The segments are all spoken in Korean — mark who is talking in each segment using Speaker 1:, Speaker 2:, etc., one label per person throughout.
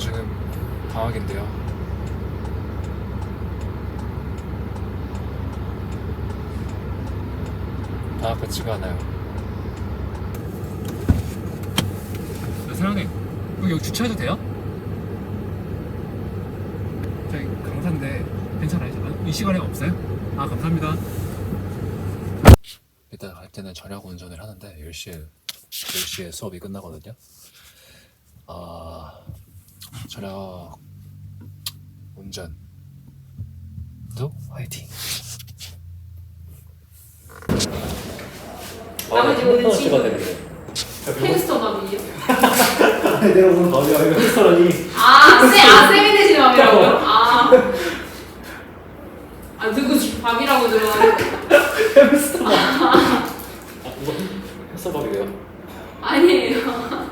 Speaker 1: 지금 방학인데요. 방학 같지가 않아요. 사장님, 여기 주차해도 돼요? 저희 강사인데 괜찮아요? 이 시간에 없어요? 아, 감사합니다. 일단 갈 때는 저녁 운전을 하는데 10시에 수업이 끝나거든요. 저녁 운전도 화이팅!
Speaker 2: 나머지 오늘
Speaker 1: 찍어야 되는데.
Speaker 2: 햄스터 맘이에요?
Speaker 1: 아니 내가 오늘 맘이야. 이거 햄스터라니.
Speaker 2: 쌤이 되시는 맘이라고요? 누구 밥이라고 들어가요?
Speaker 1: 햄스터 맘. 이거 햄스터 맘이래요?
Speaker 2: 아니에요.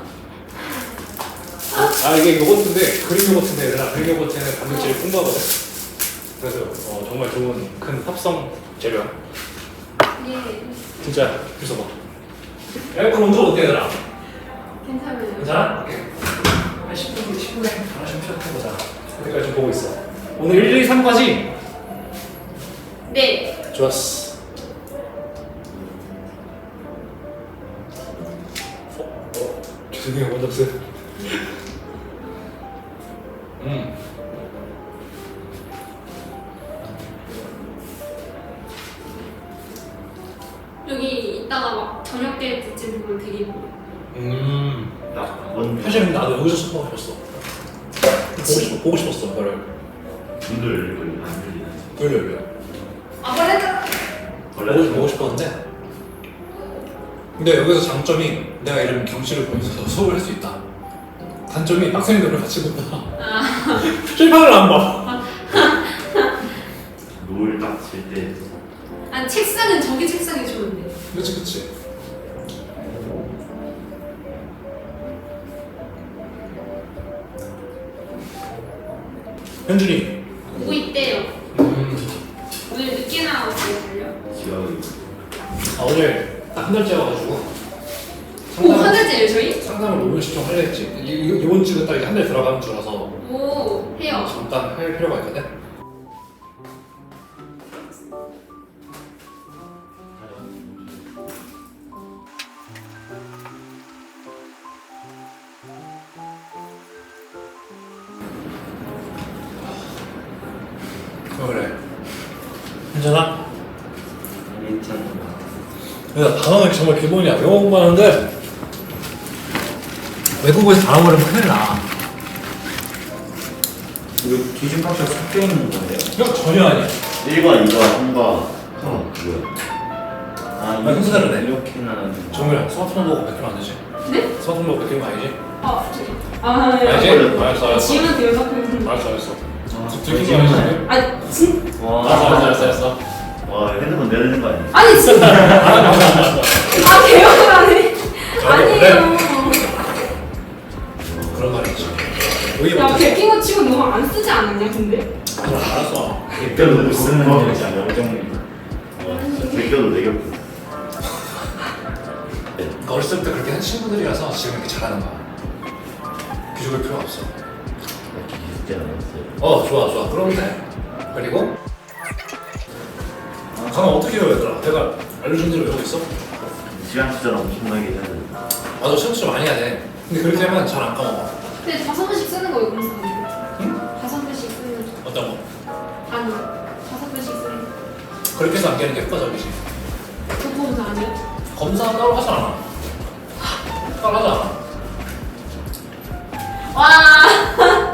Speaker 1: 이게 요거트인데 그릭 요거트인데 얘들아, 그릭 요거트는 단백질이 풍부하거든. 그래서 정말 좋은 큰 합성 재료야.
Speaker 2: 예.
Speaker 1: 진짜 주소 봐. 에어컨 온도 어때 얘들아?
Speaker 2: 괜찮아요.
Speaker 1: 괜찮아? 오케이. 한 10분에 하나씩 시작해보자. 그때까지 좀 보고 있어. 오늘 1, 2, 3까지?
Speaker 2: 네.
Speaker 1: 좋았어. 죄송해요, 원장쌤.
Speaker 2: 여기 이따가 막 저녁 때쯤 보면 되게 예뻐요.
Speaker 1: 사실 나도 여기서 수업 하고 싶었어. 보고 싶었어, 너를.
Speaker 3: 문도 열리고 안 열리는.
Speaker 1: 열려.
Speaker 2: 벌레다.
Speaker 1: 보고 싶었는데. 근데 여기서 장점이 내가 이런 경치를 보면서 수업을 할 수 있다. 단점이 학생들을 같이 본다. 실판을 안 봐.
Speaker 3: 노을 딱칠 때.
Speaker 2: 책상은 저기 책상이 좋은데.
Speaker 1: 그치. 현준이.
Speaker 2: 보고 있대요. 오늘 늦게 나왔어요.
Speaker 3: 지각이.
Speaker 1: 어제 딱 한 달째 와가지고.
Speaker 2: 한 달째예요 저희?
Speaker 1: 상담을 오늘 신청하려 했지. 이번 주가 딱 한 달 들어가는 주라서.
Speaker 2: 오, 해요.
Speaker 1: 잠깐 할 필요가 있거든. 그래. 괜찮아?
Speaker 3: 괜찮아.
Speaker 1: 그래서 단어는 정말 기본이야. 영어 공부하는데 외국어에서 단어 버리면 큰일 나.
Speaker 3: 이거 기준값이 섞여 있는 거예요?
Speaker 1: 이거 전혀 아니야.
Speaker 3: 1과 2과 3과 뭐야?
Speaker 1: 순서 다르네.
Speaker 3: 이렇게 나누는.
Speaker 1: 정우야, 스마트폰 보고 베끼면 안 되지?
Speaker 2: 네?
Speaker 1: 스마트폰 보고 베끼면 아니지?
Speaker 2: 네.
Speaker 1: 알지? 알았어.
Speaker 2: 지우면 돼요, 자꾸.
Speaker 1: 알았어.
Speaker 3: 들킨
Speaker 1: 들킨 거 아니지?
Speaker 2: 진?
Speaker 1: 알았어.
Speaker 3: 와, 핸드폰 내야 되는 거 아니야?
Speaker 2: 아니, 진짜. 개혁을 하네. 아니에요.
Speaker 1: 그런 말이 있지. 여기
Speaker 2: 야,
Speaker 1: 못했어.
Speaker 2: 베낀 거 치고 너무 안 쓰지 않았냐, 근데?
Speaker 1: 알았어.
Speaker 3: 베껴도 쓰는 거 되지 않냐? 베껴도 내겹고.
Speaker 1: 그러니까 어렸을 때부터 그렇게 한 친구들이라서 지금 이렇게 잘하는 거야. 기죽을 필요가 없어.
Speaker 3: 기숙제 나왔어요.
Speaker 1: 좋아. 그러면 돼. 그리고 강아 어떻게 해요, 얘들아? 내가 알려준 대로 외우고 있어?
Speaker 3: 시간 투자를 엄청나게 해야 돼.
Speaker 1: 맞아, 시험 진짜 많이 해야 돼. 근데 그렇게 하면 잘 안 까먹어.
Speaker 2: 근데 5번씩 쓰는 거예요, 공사는.
Speaker 1: 응?
Speaker 2: 5번씩 쓰는 거.
Speaker 1: 어떤 거?
Speaker 2: 아니, 5번씩 쓰는 거.
Speaker 1: 그렇게 해서 안 깨는 게 효과적이지.
Speaker 2: 그 검사 아니에요?
Speaker 1: 검사 따로 하지 않아. 따로 하지 않아.
Speaker 2: 와.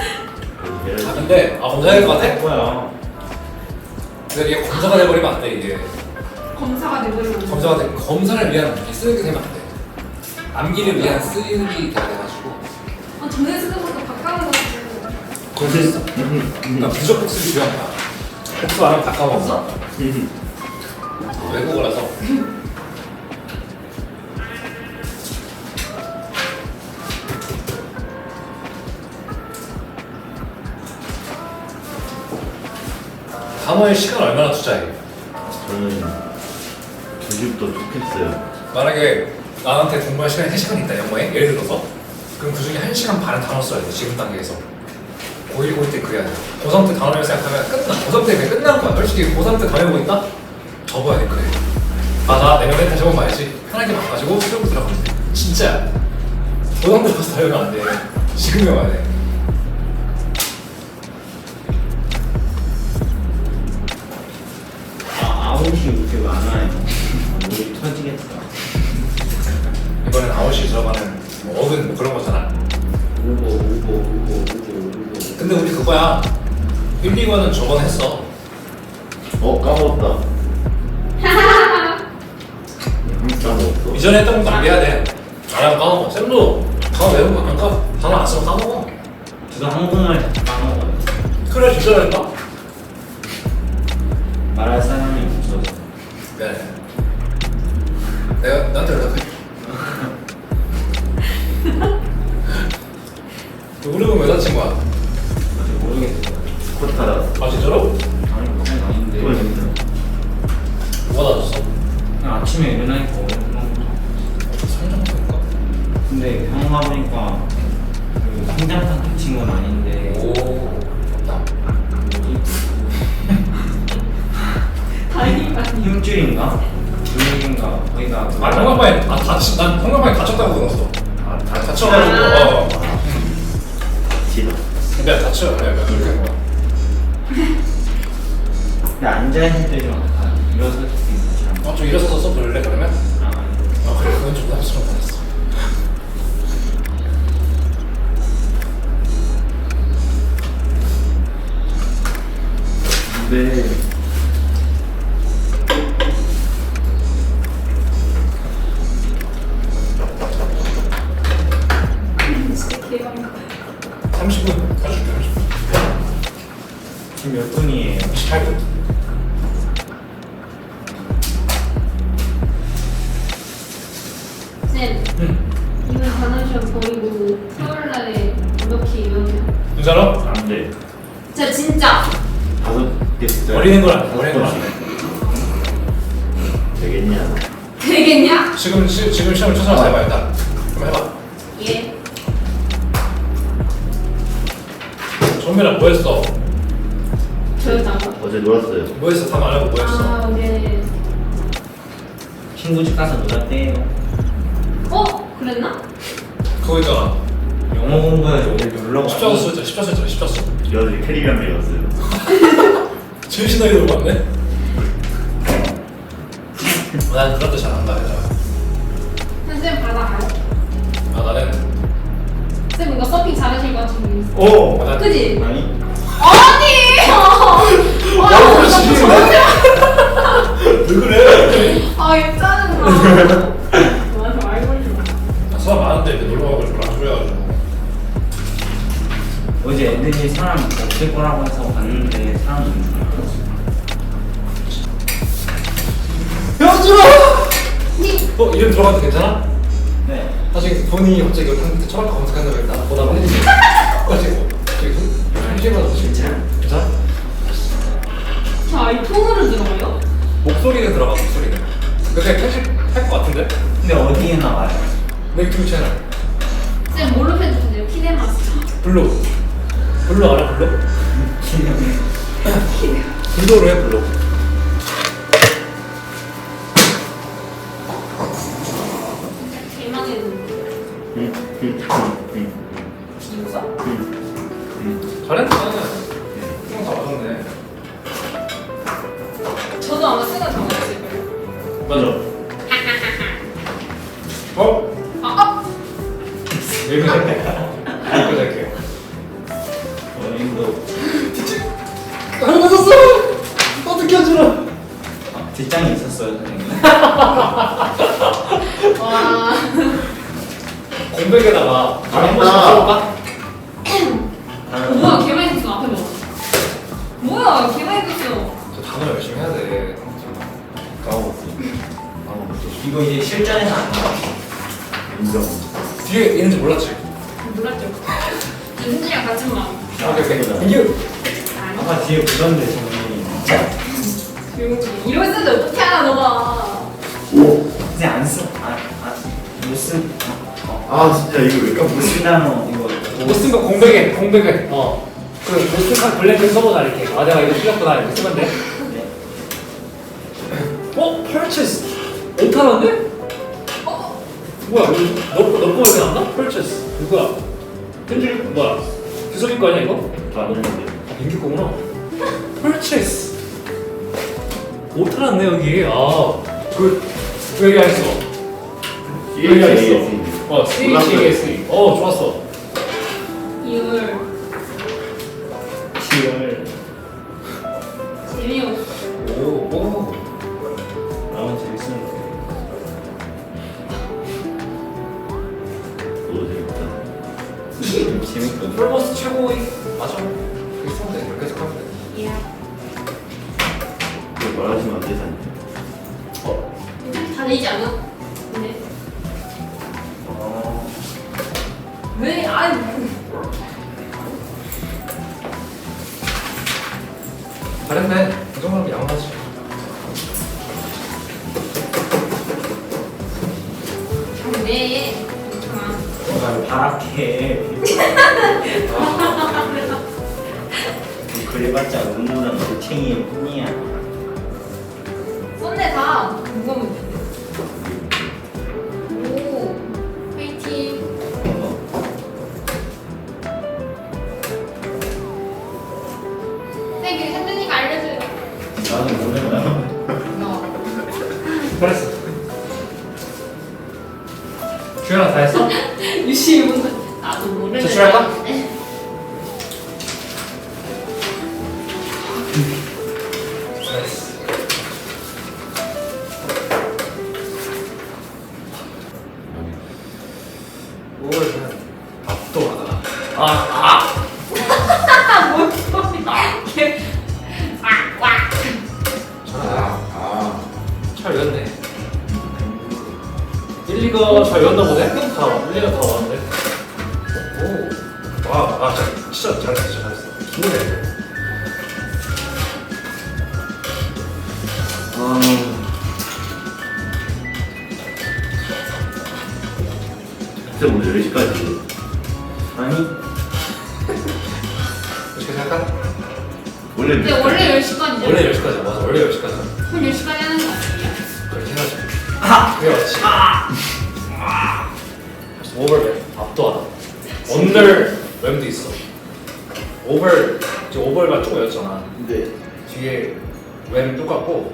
Speaker 1: 근데 검사해야 될 것 같아?
Speaker 3: 뭐야?
Speaker 1: 근데 이게 검사가 돼버리면 안 돼, 이게.
Speaker 2: 검사가 돼버리면.
Speaker 1: 검사를 위한 쓰는 게 되면 안 돼. 암기를 위한 쓰는 게 돼가지고.
Speaker 2: 전에 쓰던 것도 바꿔가지고.
Speaker 1: 그래서 그러니까 부적 복습이 중요한 거야. 복습 안 하면 다 까먹어. 외국어라서. 단어에 시간 얼마나 투자해?
Speaker 3: 저는 2시부터 좋겠어요.
Speaker 1: 만약에 나한테 공부할 시간이 3시간 있다 영어에 예를 들어서 그럼 그 중에 1시간 반을 단어 써야 돼. 지금 단계에서. 고1, 고2 때 그래야 돼. 고3 때 단어를 생각하면 끝나. 고3 때 그냥 끝난 거야. 솔직히 고3 때 단어 보고 있다? 접어야 돼, 그래. 맞아, 내년에 다시 한번 봐야지. 편하게 바꿔가지고 수업을 들어가면 돼. 진짜. 고3 때 가서 다 외우면 안 돼. 지금 외워야 돼.
Speaker 3: 아웃이 이렇게 안 와요. 우리 터지겠다.
Speaker 1: 이번엔 아웃이 들어가는 뭐 어근 뭐 그런 거잖아.
Speaker 3: 울고.
Speaker 1: 근데 우리 그거야. 1, 2과는 저번에 했어.
Speaker 3: 까먹었다. 까먹었어.
Speaker 1: 이전에 했던 것도 안 해야 돼. 안 하면 까먹어. 쌤도 단어 외우고 안 까. 단어 안 쓰면 까먹어.
Speaker 3: 저도 한국말 자꾸 까먹어요.
Speaker 1: 그래, 진짜 했다?
Speaker 3: 말할 사람이 없어서.
Speaker 1: 미안해. 내가 나한테 연락해. 우리는 왜 다친 거야?
Speaker 3: 아직 모르겠어요. 코타라.
Speaker 1: 아 진짜로?
Speaker 3: 아니 그건 아닌데.
Speaker 1: 뭐가 다쳤어?
Speaker 3: 그냥 아침에 일어나니까 어렵던 거죠.
Speaker 1: 성장인가?
Speaker 3: 근데 병원 가보니까 그 성장판 다친 건 아닌데.
Speaker 1: 오, 좋다.
Speaker 2: 다행이다.
Speaker 3: 힘줄인가? 근육인가? 거기가.
Speaker 1: 아 성장판에 난 성장판에 다쳤다고 들었어. 아 다쳐가지고. 근데 다쳐. 그렇게 한 거야.
Speaker 3: 근데 앉아있을 때 좀 아파요. 일어설 때 있었지.
Speaker 1: 좀 일어서서 써볼래 그러면?
Speaker 3: 아, 아니.
Speaker 1: 그래 그건 좀 부담스러운 거였어.
Speaker 3: 근데
Speaker 2: 진짜 개망가.
Speaker 1: 30분 가줄게. 30분.
Speaker 3: 지금 몇 분이에요?
Speaker 1: 28분.
Speaker 2: 쌤, 이번 단원 시험 버리고 토요일날에 어떻게 이러면?
Speaker 1: 진짜로?
Speaker 3: 안 돼.
Speaker 2: 진짜
Speaker 3: 5개 숫자.
Speaker 1: 버리는 건 안 돼. 버리는 건 안 돼.
Speaker 3: 되겠냐?
Speaker 2: 되겠냐?
Speaker 1: 지금 시험을 쳐서 해봐 일단. 그럼 해봐.
Speaker 2: 예.
Speaker 1: 정민아 뭐 했어?
Speaker 2: 저였다고?
Speaker 3: 어제 놀았어요.
Speaker 1: 뭐 했어? 다 말하고 뭐 했어?
Speaker 2: 아, 네.
Speaker 3: 친구 집 가서 놀았대요.
Speaker 2: 그랬나?
Speaker 1: 그거 있잖아.
Speaker 3: 영어 공부해서 오늘 놀러 가서
Speaker 1: 십자수 했잖아. 십자수.
Speaker 3: 여기 캐리비안 배웠어요.
Speaker 1: 제일 신나게 놀고 왔네. 난 그런 데 잘한다 얘들아.
Speaker 2: 쌤 받아가요?
Speaker 1: 아 나는
Speaker 2: 쌤 뭔가 서핑 잘하실 것 같은 거
Speaker 3: 오!
Speaker 1: 난
Speaker 2: 그지?
Speaker 3: 아니?
Speaker 2: 아니!
Speaker 1: 너무 지리네. 왜 그래?
Speaker 2: 아, 얘 짜증나. 맞아, 알고 있어.
Speaker 1: 사람 많은데 이렇게 놀러 가고 별로 안 좋아해가지고.
Speaker 3: 어제 애들이 사람 없을 거라고 해서 갔는데 사람이 있는 거야.
Speaker 1: 현준아! 이름 들어가도 괜찮아?
Speaker 3: 네.
Speaker 1: 사실 본인이 갑자기 여기 철학과 검색한다고 했다. 보다가 가지고 갑자기 심심하다
Speaker 3: 괜찮아.
Speaker 1: 괜찮아?
Speaker 2: 저 아이폰으로 들어가요?
Speaker 1: 목소리는 들어가 목소리는. 근데 편집할 것 같은데?
Speaker 3: 근데 어디에 나와요?
Speaker 1: 내 유튜브 채널
Speaker 2: 쌤 뭘로 편집해요? 키네마스터.
Speaker 1: 블루. 블루 알아 블루? 블루로 해 블루.
Speaker 2: 대망의 비유가?
Speaker 1: 잘했네. 형 다 맞았네.
Speaker 2: 저도 아마 쓰가 다 맞았을걸요.
Speaker 1: 맞아. 어? 여기서 할게.
Speaker 3: 어린도
Speaker 1: 안 맞았어. 어떻게 하지라.
Speaker 3: 뒷장이 있었어요 선생님.
Speaker 2: 와.
Speaker 1: 공백에다가 한 번씩 써볼까?
Speaker 2: 뭐야, 개많이 썼어. 앞에 뭐. 뭐야, 개많이 썼어.
Speaker 1: 저 단어 열심히 해야 돼.
Speaker 3: 까먹었어. 이거 이제 실전에서 안 나와. 인정.
Speaker 1: 뒤에 있는지 몰랐지?
Speaker 2: 몰랐죠. 윤진이랑 같은 마음.
Speaker 1: 오케이. 이게
Speaker 2: 아니.
Speaker 3: 아까 뒤에 보던데 정리.
Speaker 2: 이러고 있었는데 어떻게 알아, 너가.
Speaker 3: 근데 안 쓰. 못 쓰. 아 진짜 이거 왜 까먹었어?
Speaker 4: 무시나노 이거.
Speaker 1: 못 쓴 거 공백에 그 못쓴 블랙을 써보자 이렇게. 아 내가 이거 틀렸구나 이렇게 쓰면 돼. purchase 5,000원인데? 뭐야 너 거가 이렇게 나왔나? purchase 누구야? 현준이 뭐야? 규석이 거 아니야 이거?
Speaker 3: 다 넣었는데.
Speaker 1: 민규 거구나. purchase 5,000원 네 여기. 그 여기 안 했어. 여기 안 했어. CHASE. 좋았어.
Speaker 2: 이걸
Speaker 4: 10월.
Speaker 2: 재미없어.
Speaker 1: 오.
Speaker 4: 나만 재밌으면 돼.
Speaker 3: 너도 재밌다.
Speaker 4: 재밌거든.
Speaker 1: 플러스 최고의 맞아. 그렇게 쓰면 돼. 이렇게 해서 하면 돼.
Speaker 2: 예.
Speaker 3: 이거 말하시면 안 되잖아요.
Speaker 2: 다 되지 않아? 근데 왜? 아니
Speaker 1: 잘했네. 이 정도면 양호하지.
Speaker 2: 왜? 괜찮아.
Speaker 4: 나 바락해. 그래봤자 응모랑 돌챙이일 뿐이야.
Speaker 2: 쏜네 다. 누가 문제인데? 오, 화이팅. 네, 그 현준이가 알려줘요.
Speaker 4: 나도 모른다.
Speaker 2: 너.
Speaker 1: 잘했어. 주연아 다 했어?
Speaker 2: 유시 문 나도 모르는.
Speaker 1: 제출할까?
Speaker 2: 네.
Speaker 1: 잘했어. 뭘 그냥 압도하다.
Speaker 2: 뭔 소리야? 걔. 와.
Speaker 1: 잘 외웠네. 1, 2가 잘 외웠나 보네? 다 1, 2가 다 왔는데. 오. 와, 진짜 잘했어, 진짜 잘했어. 기분해.
Speaker 3: 진짜 오늘 10시까지.
Speaker 4: 아니
Speaker 1: 어떻게 생각하?
Speaker 3: 원래
Speaker 2: 근데 원래 10시까지죠?
Speaker 1: 원래 10시까지 맞아. 원래 10시까지.
Speaker 2: 그럼 10시까지 하는 거 아니에요?
Speaker 1: 그렇게 해야지. 그게 맞지. 벌써 오버랩 압도하다. 언더랩도 있어. 지금 오버랩만 조금 외웠잖아.
Speaker 3: 네.
Speaker 1: 뒤에 웸 똑같고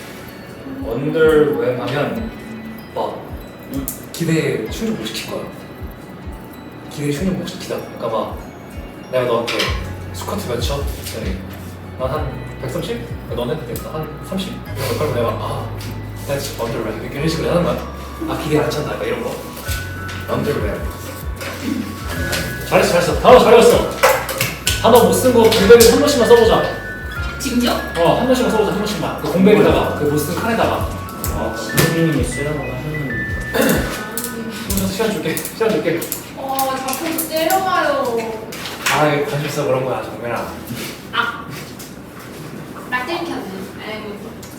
Speaker 1: 언더랩 하면 막 기대에 충족 못 시킬 거야. 기대에 충족 못 시키다. 그러니까 막 내가 너한테 스쿼트 몇 쳐? 난한 130? 너는 한 30? 이런 거 내가 that's underwear 이런 식으로 하는 거야. 기대 안 찬다 약간 이런 거. underwear. 잘했어. 단어 잘했어. 단어 못 쓴 거 공백에 한 번씩만 써보자.
Speaker 2: 지금요?
Speaker 1: 한 번씩만 써보자. 한 번씩만. 그 공백에다가 그 못 쓴 칸에다가.
Speaker 4: 선생님이 쓰라고 하는.
Speaker 1: 시간 줄게.
Speaker 2: 자꾸 때려봐요.
Speaker 1: 관심 있어 그런 거야 정면아.
Speaker 2: 나 때리켰네. 아이고.